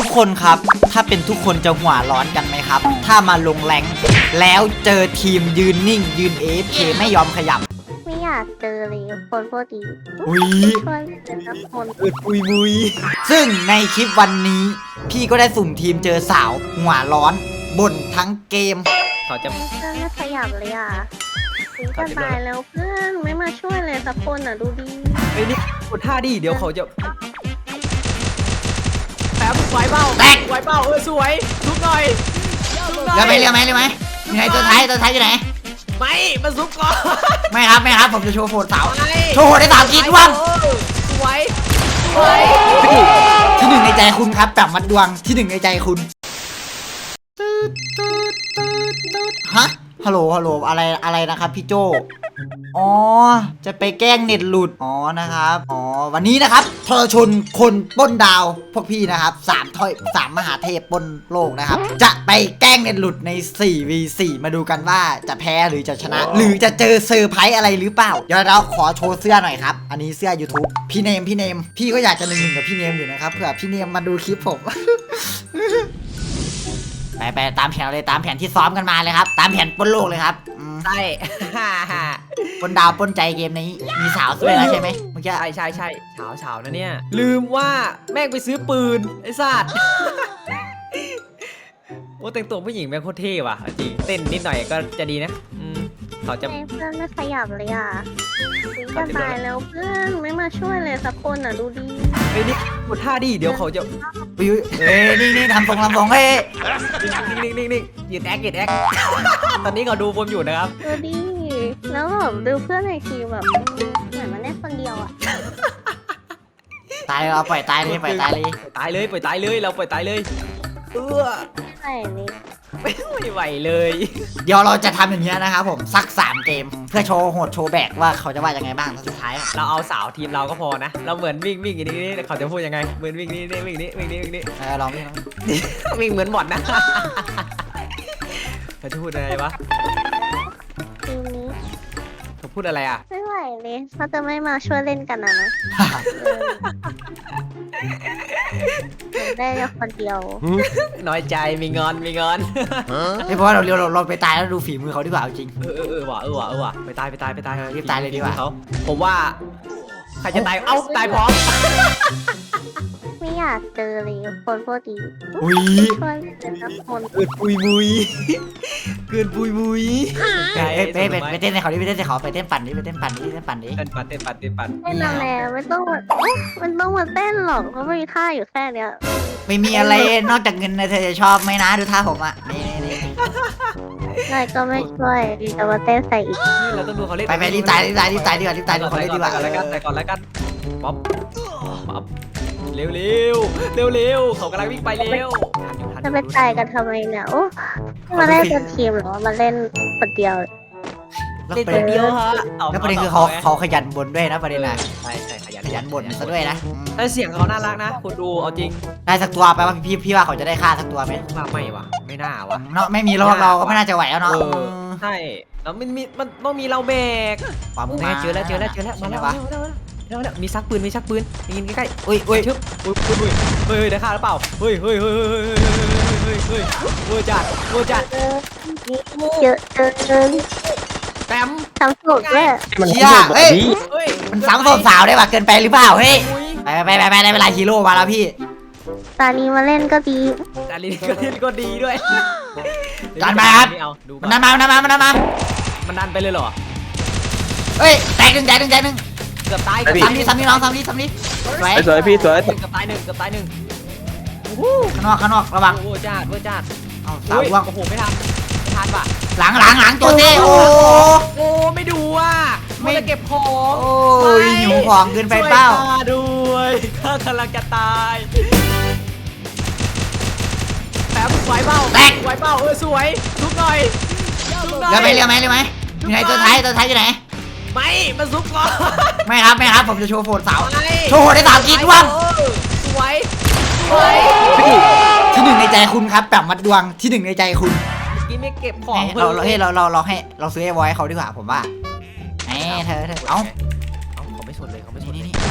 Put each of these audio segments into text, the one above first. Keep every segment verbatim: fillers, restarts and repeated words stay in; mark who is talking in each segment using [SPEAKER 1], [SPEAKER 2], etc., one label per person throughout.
[SPEAKER 1] คนครับถ้าเป็นทุกคนจะหัวร้อนกันไหมครับถ้ามาลงแรงแล้วเจอทีมยืนนิ่งยืน เอ เอฟ เค ไม่ยอมขยับ
[SPEAKER 2] ไม่อยากเจอเลยคนพวกนี้
[SPEAKER 1] อุ้ย
[SPEAKER 2] ช่วยเป็นสักคน
[SPEAKER 1] อึดปุยมุยซึ่งในคลิปวันนี้พี่ก็ได้สุ่มทีมเจอสาวหัวร้อนบ่นทั้งเกมเขาจะ
[SPEAKER 2] เพื่อนไม่ขยับเลยอ่ะถึงจะตายแล้วเพื่อนไม่มาช่วยเลยสักคนอ่ะดูดี
[SPEAKER 3] ไอ้นี่กดท่าดิเดี๋ยวเขาจะแป๊บไหวเปล่า
[SPEAKER 1] แตก
[SPEAKER 3] ไหวเปล่าเออสวยทุบหน่อยทุบหน่อย
[SPEAKER 1] เรือไหมเรือไหมเรือไหมยังไงตัวท้ายตัวท้ายอยู่ไหน
[SPEAKER 3] ไม่มาซุปก่อน
[SPEAKER 1] ไม่ครับไม่ครับผมจะโชว์โฟนสาว
[SPEAKER 3] ไม่
[SPEAKER 1] โชว์โฟนได้สามกีดว่าง
[SPEAKER 3] เออสวยสวย
[SPEAKER 1] ที่หนึ่งในใจคุณครับแบบมัดดวงที่หนึ่งในใจคุณฮะฮัลโหลฮัลโหลอะไรอะไรนะครับพี่โจอ๋อจะไปแกล้งเน็ตหลุดอ๋อนะครับอ๋อวันนี้นะครับทรชนคนปล้นดาวพวกพี่นะครับสามถ้อยสามมหาเทพปล้นโลกนะครับจะไปแกล้งเน็ตหลุดใน สี่ วี สี่ มาดูกันว่าจะแพ้หรือจะชนะ หรือจะเจอเซอร์ไพรส์อะไรหรือเปล่าเดี๋ยวเราขอโชว์เสื้อหน่อยครับอันนี้เสื้อ YouTube พี่เนมพี่เนมพี่ก็อยากจะหนึ่งหนึ่งกับพี่เนมอยู่นะครับเผื่อพี่เนมมาดูคลิปผม ไปไปตามแผนเลยตามแผนที่ซ้อมกันมาเลยครับตามแผนปล้นโลกเลยครับอืม
[SPEAKER 3] ใช่
[SPEAKER 1] ปล้นดาวปล้นใจเกมนี้มีสาวสวยแล้วใช่ไหมเมื่อกี้
[SPEAKER 3] ใช่ใช่ใช่เฉาเฉานะเนี่ยลืมว่าแม่งไปซื้อปืนไอ้สัตว์ โอ้แต่งตัวผู้หญิงแม่งโคตรเท่ว่ะจริงเต้นนิดหน่อยก็จะดีนะอืมเขาจะ
[SPEAKER 2] เพื่อนไม่ขยับเลยอ่ะถึงจะตายแล้วเพื่อนไม่มาช่วยเลยสักคนอ่ะดูดี
[SPEAKER 3] ไอ้นี่กดท่าดิเดี๋ยวเขาจะ
[SPEAKER 1] อุ้ยเอ้ยนี่นี่ทำทรงทำทรงเฮ้ย
[SPEAKER 3] นิ่งนิ่งนิ่งนิ่งยืนแอคยืนแอค ตอนนี้เขาดูผมอยู่นะครับ
[SPEAKER 2] ดูดีแล้วแบบดูเพื่อนในทีมแบบเหมือนมันเล่นคนเดียวอ่ะ
[SPEAKER 1] ตายเราปล่อยตายเลยปล่อยตายเลย
[SPEAKER 3] ตายเลยปล่อยตายเลยเราปล่อยตายเลยเออ
[SPEAKER 2] ใช่นี่
[SPEAKER 3] ไม่ไหวเลย
[SPEAKER 1] เดี๋ยวเราจะทำอย่างเงี้ยนะครับผมสักสามเกมเพื่อโชว์โหดโชว์แบกว่าเขาจะว่ายังไงบ้างตอนสุดท้ายอะ
[SPEAKER 3] เราเอาสาวทีมเราก็พอนะ เราเหมือนวิ่งวิ่งอย่างนี้เขาจะพูดยังไงเหมือนวิ่งนี่นี่วิ่งนี่วิ่งนี่วิ่งนี่
[SPEAKER 1] เออลองนี่ลองนี่
[SPEAKER 3] วิ่งเหมือนบอดนะ เขาจะพูดอะไรวะ
[SPEAKER 2] ทีมนี้
[SPEAKER 3] เขาพูดอะไรอ่ะ
[SPEAKER 2] ไม่ไหวเลยเขาจะไม่มาช่วยเล่นกันนะนะได้แค่คนเดียว
[SPEAKER 3] น้อยใจมีงอนมีงอน
[SPEAKER 1] ไม่เพราะว่าเราเราเราไปตายแล้วดูฝีมือเขาดีกว่าเอาจริง
[SPEAKER 3] เออเออเออว่ะเออว่ะเออว่ะไปตายไปตายไปตาย
[SPEAKER 1] เออรีบตายเลยดีกว่า
[SPEAKER 3] เขาผมว่าใครจะตายเอ้าตายพร้อม
[SPEAKER 2] ไม่อยากเจอเลยคนพวกนี้
[SPEAKER 1] อุ้ย
[SPEAKER 2] ช่วยเป็นสักคน
[SPEAKER 3] เกินปุยมุยเกินปุยมุย
[SPEAKER 1] ไปไปไปไปเต้นในเขาดิไปเต้นในเขาไปเต้นปั่นดิไปเต้นปั่นดิเต้นปั่นดิ
[SPEAKER 3] เต้นปัดเต้นปัดเต้นปัด
[SPEAKER 2] เต้นอะไรไม่ต้องมาเอ๊ะมันต้องมาเต้นหรอกเพราะมีท่าอยู่แค่เนี้ย
[SPEAKER 1] ไม่มีอะไรนอกจากเงินนะเธอจะชอบไหมนะดูท่าผมอ่ะนี่นี่
[SPEAKER 2] นายก็ไม่ช่วยจะมาเต้นใส่อีก
[SPEAKER 3] เราต้องดูเขาเล่น
[SPEAKER 1] ไปไปรีบตายรีบตายรีบตายดีกว่ารีบตายดูเขาเล่นดีกว่า
[SPEAKER 3] ก่อนแล้วกันไปก่อนแล้วกันป๊อปป๊อปเร็วเร็วเร็วเร็วเขากำลังวิ่งไปเร็ว
[SPEAKER 2] จะไปตายกันทำไมเนี่ยโอ้มาเล่นเป็นทีมเหรอมาเล่นคนเดียว
[SPEAKER 1] แล้ว
[SPEAKER 3] เล่น
[SPEAKER 1] ประ
[SPEAKER 3] ค
[SPEAKER 1] เด็น
[SPEAKER 3] นเดียวฮะ
[SPEAKER 1] แล้วประเด็นคือเขาเขาขยันบ่นด้วยนะประเด็นน่ะ
[SPEAKER 3] ใช่ใช่ขยัน
[SPEAKER 1] ขยันบ่นซะด้วยนะอืม
[SPEAKER 3] แต่เสียงเขาน่ารักนะคุณดูเอาจริง
[SPEAKER 1] ได้สักตัวไปว่าพี่พี่ว่าเขาจะได้ฆ่าสักตัวไหม
[SPEAKER 3] ว่าไม่วะไม่น่าวะ
[SPEAKER 1] เนาะไม่มีเราเราก็ไม่น่าจะไหวแล้วเนาะ
[SPEAKER 3] เออใช่แล้วมันมีมันต้องมีเราแบก
[SPEAKER 1] ความ
[SPEAKER 3] โอ้
[SPEAKER 1] มา
[SPEAKER 3] เจอแล้วเจอแล้วเจอแล้วมาแล้ว
[SPEAKER 1] วะ
[SPEAKER 3] แล้วแล้วมีซักปืนมีซักปืนยิงใกล้
[SPEAKER 1] อุ้ย
[SPEAKER 3] ๆ
[SPEAKER 1] อุ้ย
[SPEAKER 3] ชึบอุ้ยอุ้ยอุ้ยเฮ้ยได้ฆ่าหรือเปล่าเฮ้ยเฮ้ยเฮ้ยเฮ้ยเฮ้ยเฮ้ยเวอร์จัดเวอร์จัด
[SPEAKER 2] เออเยอะเจอเจอ
[SPEAKER 3] แปม
[SPEAKER 2] ทำสุดเลย
[SPEAKER 1] เชี่ยเฮ้ย
[SPEAKER 3] เฮ้ย
[SPEAKER 1] มันสามศพสาวได้ป่ะเกินไปหรือเปล่าเฮ้ยไปไปไปไปได้เวลาฮีโร่มาแล้วพี่
[SPEAKER 2] ตอนนี้มาเล่นก็ดี
[SPEAKER 3] แต่ลิ้นก็ลิ้นก็ดีด้วย
[SPEAKER 1] จัดไปครับ
[SPEAKER 3] ไม่เอาดูก่
[SPEAKER 1] มั
[SPEAKER 3] อน น
[SPEAKER 1] ดันมามันดันมามันดันมา
[SPEAKER 3] มันดันไปเลยเหรอ
[SPEAKER 1] เฮ้ยแตกหนึ่งแตกหนึ่งแตกหนึ่ง
[SPEAKER 3] เกือบตาย
[SPEAKER 1] สามนี้สามนี้น้องสามนี้สามนี้สวย
[SPEAKER 4] สวยพี่สวย
[SPEAKER 3] เกือบตายหนึ่งเกือบตายหนึ่ง
[SPEAKER 1] ข้างนอกข้างนอกระวัง
[SPEAKER 3] โอ้โหจ้าโอ้จ้า
[SPEAKER 1] เอาสาวล่วง
[SPEAKER 3] โอ้โหไม่ทันไม่ทันป่ะ
[SPEAKER 1] หลังหลังหลังตัวเต้โอ้
[SPEAKER 3] โอ้ไม่ดูอ่ะ
[SPEAKER 1] ไม่
[SPEAKER 3] ไม่จะเก็บของ
[SPEAKER 1] โอ้ยหิวของเกินไปเปล่า
[SPEAKER 3] ช่วยข้ด้วยข้ากำลังจะตายแป๊บไหวเปล่า
[SPEAKER 1] แตก
[SPEAKER 3] ไหวเปล่าเออสวยทุบหน่อยทุบหน่อย
[SPEAKER 1] เรือไหมเรือไหมเรือไหมอยู่ไหนตัวท้ายตัวท้ายอยู่ไหน
[SPEAKER 3] ไม่มาซุปก่อน
[SPEAKER 1] ไม่ครับไม่ครับผมจะโชว์โฟนสาว
[SPEAKER 3] ไม่
[SPEAKER 1] โชว์โหดได้สามกีดว่าง
[SPEAKER 3] เออสวยสวย
[SPEAKER 1] ที่หนึ่งในใจคุณครับแบบมัดดวงที่หนึ่งในใจคุณ
[SPEAKER 3] กินไม่เก็บของ
[SPEAKER 1] ให้เราเราให้เราเราเราให้เราซื้อไอ้ไว้ให้เขาดีกว่าผมว่าไอ้เธอเธอเอ้า
[SPEAKER 3] เอาเขาไม่สนเลยเขาไม่สน
[SPEAKER 1] นี่
[SPEAKER 3] เลย
[SPEAKER 1] นี่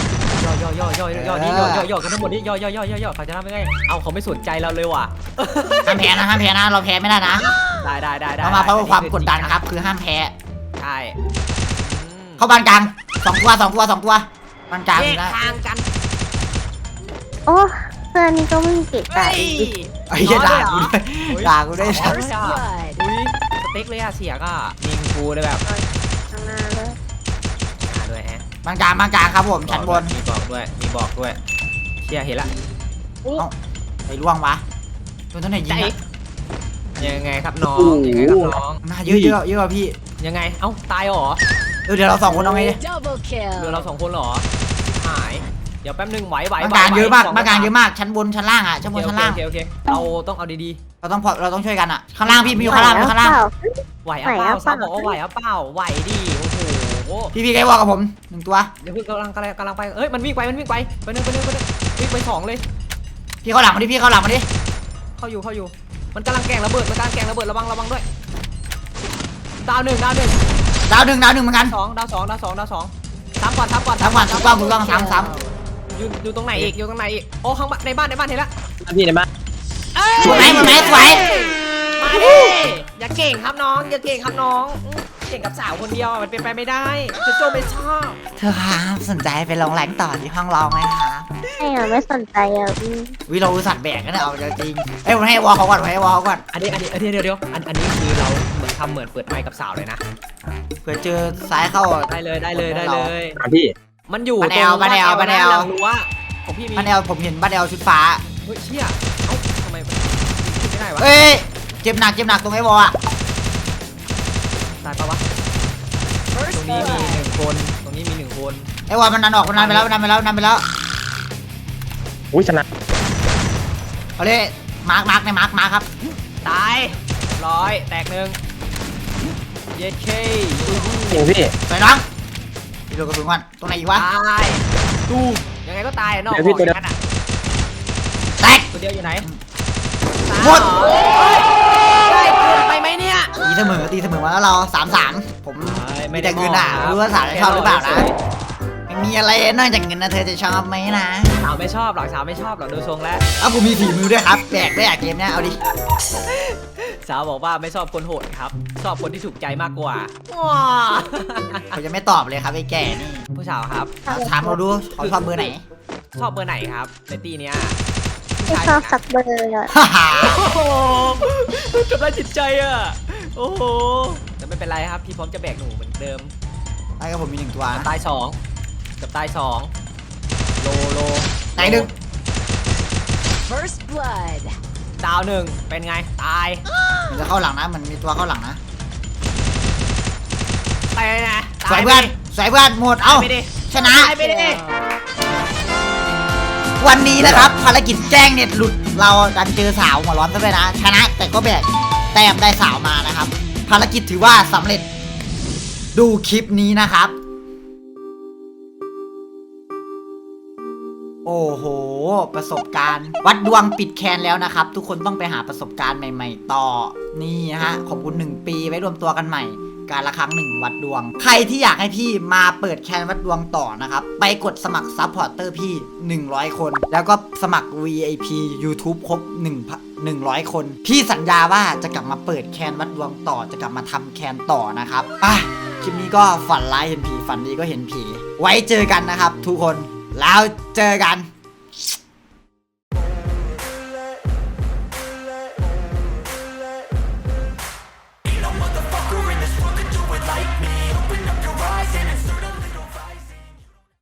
[SPEAKER 3] ย่อย่อย่อย่อนี่ย่อย่อย่อกันทั้งหมดนี่ย่อย่อย่อย่อย่อเขาจะทำยังไงเอาเขาไม่สนใจเราเลยว่ะ
[SPEAKER 1] ห้ามแพ้นะห้ามแพ้นะเราแพ้ไม่ได้นะ
[SPEAKER 3] ได้ได้ได้ได้
[SPEAKER 1] เรามาเพราะความกดดันครับคือห้ามแพ้
[SPEAKER 3] ใช่
[SPEAKER 1] เข้าบ้านกลางสองตัวสองตัวสองตัวบ้านกลาง
[SPEAKER 3] แย
[SPEAKER 1] มี
[SPEAKER 3] ก
[SPEAKER 1] นะ
[SPEAKER 3] ทางกัน
[SPEAKER 2] โอ้เพื่อนนี่ก็ไม่มีเกะ
[SPEAKER 3] เฮ้
[SPEAKER 2] กะ
[SPEAKER 3] ย
[SPEAKER 2] อีก
[SPEAKER 1] ไอ้เหี้ยด่ากูด้วยด่ากูด้วย
[SPEAKER 3] เอาเลยอ่ะอุ้ยสเต็กเลยอะเสียก็ยิงกูเลยแบบ
[SPEAKER 2] ข้างหน้าเลย
[SPEAKER 3] หาด้วยฮะ
[SPEAKER 1] บ้านกลางบ้านกลางครับผมชั้นบน
[SPEAKER 3] มีบอกด้วยมีบอกด้วยเชียเห็นละ
[SPEAKER 1] ไอ้ล่วงวะโดนตัวไหนยิ
[SPEAKER 3] ใจ
[SPEAKER 1] งอะ
[SPEAKER 3] ยังไงครับน้องยังไงครับน้อง
[SPEAKER 1] มาเยอะเยอะเยอะกว่าพี่
[SPEAKER 3] ยังไงเอ้าตายเหรอ
[SPEAKER 1] เออเดี๋ยวเราสองคนเอาไงดิ
[SPEAKER 4] Double
[SPEAKER 3] เรือ
[SPEAKER 4] kill.
[SPEAKER 3] เราสองคนเหรอหายเดี๋ยวแป๊บนึงไหวไหว
[SPEAKER 1] บ้าน
[SPEAKER 3] ไหว
[SPEAKER 1] กลางเยอะมาก
[SPEAKER 3] สง
[SPEAKER 1] บ้านกลางเยอะมากชั้นบนชั้นล่างอ่ะชั้นบ
[SPEAKER 3] โอน เค
[SPEAKER 1] ชั้นล่าง
[SPEAKER 3] โอเคโอเคเราต้องเอาดี
[SPEAKER 1] เราต้องพอเราต้องช่วยกันอ่ะข้างล่างพี่มีอยู่ข้างล่างมีอยู่ข้างล่าง
[SPEAKER 3] ๆไหวเอาเปล่าสาวบอกว่าไหวเอาเปล่าไหวดิโอ้โห
[SPEAKER 1] พี่พี่ไกวอลกับผมหนึ่งตัว
[SPEAKER 3] เดี๋ยวเพิ่งกำลังกำลังกำลังไปเอ้ยมันวิ่งไปมันวิ่งไปไปหนึ่งไปหนึ่งไปหนึ่งวิ่งไปสองเลย
[SPEAKER 1] พี่เข้าหลังมาดิพี่เข้าหลังมาดิ
[SPEAKER 3] เข้าอยู่เข้าอยู่มันกำลังแกล้งระเบิดมันกำลังแกล้งระเบิดระวังระวังด้วยดาวหนึ่งดาวหนึ่ง
[SPEAKER 1] ดาวหนึ่งดาวหนึ่งเหมือนกัน
[SPEAKER 3] สองดาวสองดาวสองดาวสองสามก่อนสามก่อน
[SPEAKER 1] สามก่อนถูกต้องถูกต้องสามสาม
[SPEAKER 3] อยู่อยู่ตรงไหนอีกอยู่ตรงไหนอีกโอ้ข้างบ้านในบ้านในบ้านเห็นละ
[SPEAKER 5] พี่ในบ้าน
[SPEAKER 1] สวยไหมสวยไหมสวย
[SPEAKER 3] มาดิอย่าเก่งครับน้องอย่าเก่งครับน้องอื้อเก่งกับสาวคนเดียวมันเป็นไปไม่ได้จะโจไม่ชอบ
[SPEAKER 1] เธอครับสนใจไปลองแรงต่อที่ห้องร้องไหมครับ
[SPEAKER 2] ไม่อะไม่สนใจอ่ะอืม
[SPEAKER 1] วิเราอุตส่าห์แบกกันนะเอาจริงเอ้ยผมให้วอลเขาก่อนผมให้วอลเขาก่อน
[SPEAKER 3] อันนี้อันนี้อันนี้เดี๋ยวเดี๋ยวอันอันนี้คือเราเหมือนทำเหมือนเปิดไมค์กับสาวเลยนะ
[SPEAKER 1] เผื่อเจอซ้ายเข้า
[SPEAKER 3] ได้เลยได้เลยได้เลย
[SPEAKER 5] อ่ะพี่
[SPEAKER 3] มันอยู่
[SPEAKER 1] บ้านแอลบ้านแอลบ้านแอล
[SPEAKER 3] หลังรั้วของพี่มี
[SPEAKER 1] บ้านแอลผมเห็นบ้านแอลชุดฟ้า
[SPEAKER 3] เฮ้ยเชี่ยเอ้าทำไมมันขึ้นไม่ได้วะ
[SPEAKER 1] เอ้ยเจ็บหนักเจ็บหนักตรงไอ้วอลอะ
[SPEAKER 3] ตายปะวะตรงนี้มีหนึ่งคนตรงนี้มีหนึ่งคน
[SPEAKER 1] ไอ้วอลมันนันออกมันนันไปแล้วมันนันไปแล้วนันไปแล้ว
[SPEAKER 5] อุ้ยชนะ
[SPEAKER 1] เอาเลยมาร์กมาร์กในมาร์กมาร์กครับ
[SPEAKER 3] ตายร้อยแตกหนึ่งเย็ดเค
[SPEAKER 5] จริงพี่
[SPEAKER 1] สวยน้องพี่ดูกระสุนก่อนตรงไหนอีกวะ
[SPEAKER 3] ตายตูมยังไงก็ตายนอก
[SPEAKER 5] เดี๋ยวพี่ตัวเดียว
[SPEAKER 3] นั้นอ่ะ
[SPEAKER 1] แตก
[SPEAKER 3] ตัวเดียวอยู่ไหน
[SPEAKER 1] หมด
[SPEAKER 3] โอ้ยได้เกินไปไหมเนี่ย
[SPEAKER 1] ตีเสมอตีเสมอมาแล้วเราสามสามผม
[SPEAKER 3] ไม่
[SPEAKER 1] มี
[SPEAKER 3] ได้
[SPEAKER 1] แต่เงินอ่ะ
[SPEAKER 3] มองครับ
[SPEAKER 1] รู้ว่าสาวจะชอบหรือเปล่านะไม่มีอะไรนอกจากเงินนะเธอจะชอบไหมนะ
[SPEAKER 3] สาวไม่ชอบหรอกสาวไม่ชอบหรอกดูทรงแล้ว
[SPEAKER 1] เอ้าผมมีฝีมือด้วยครับแบกได้อะเกมเนี้ยเอาดิ
[SPEAKER 3] สาวบอกว่าไม่ชอบคนโหดครับ ชอบคนที่ถูกใจมากกว่าว้า
[SPEAKER 1] เขาจะไม่ตอบเลยครับไอ้แก่นี่
[SPEAKER 3] ผู้สาวครับ
[SPEAKER 1] ถามเราดูเขาชอบเบอร์ไหน
[SPEAKER 3] ชอบเบอร์ไหนครับในตีเนี้ย
[SPEAKER 2] ไม่ชอบสักเบอร์อ่ะ
[SPEAKER 1] ฮ่าฮ่า
[SPEAKER 3] โอ้โหทำร้ายจิตใจอ่ะโอ้โหแต่ไม่เป็นไรครับพี่พร้อมจะแบกหนูเหมือนเดิม
[SPEAKER 1] ไอ้ก็ผมมีหนึ่งตัว
[SPEAKER 3] กับ
[SPEAKER 1] นะ
[SPEAKER 3] ตายสองกับตายสองโลโล
[SPEAKER 1] ไหนหนึ่ง
[SPEAKER 4] First blood.
[SPEAKER 3] ดาวหนึ่งเป็นไงตาย
[SPEAKER 1] มันจะเข้าหลังนะมันมีตัวเข้าหลังนะ
[SPEAKER 3] ไปนะ
[SPEAKER 1] สวยเพื่อนสวยเพื่อนหมดเอ้า
[SPEAKER 3] ไปดิ
[SPEAKER 1] ชนะ
[SPEAKER 3] ตายไปดิ
[SPEAKER 1] วันนี้นะครับภารกิจแจ้งเน็ตหลุดเราดันเจอสาวหัวร้อนซะด้วยนะ ชนะแต่ก็แบกแต้มได้สาวมานะครับ ภารกิจถือว่าสำเร็จดูคลิปนี้นะครับ โอ้โห ประสบการณ์ วัดดวงปิดแคนแล้วนะครับ ทุกคนต้องไปหาประสบการณ์ใหม่ๆ ต่อนี่นะฮะขอบคุณหนึ่งปีไว้รวมตัวกันใหม่ การละครั้งหนึ่งวัดดวง ใครที่อยากให้พี่มาเปิดแคนวัดดวงต่อนะครับ ไปกดสมัครซัพพอร์เตอร์พี่หนึ่งร้อยคน แล้วก็สมัคร วี ไอ พี YouTube ครบ1 100 คน พี่สัญญาว่าจะกลับมาเปิดแคนวัดดวงต่อจะกลับมาทำแคนต่อนะครับอ่ะคลิปนี้ก็ฝันร้ายเห็นผีฝันดีก็เห็นผี ไว้เจอกันนะครับ ทุกคนแล้วเจอกัน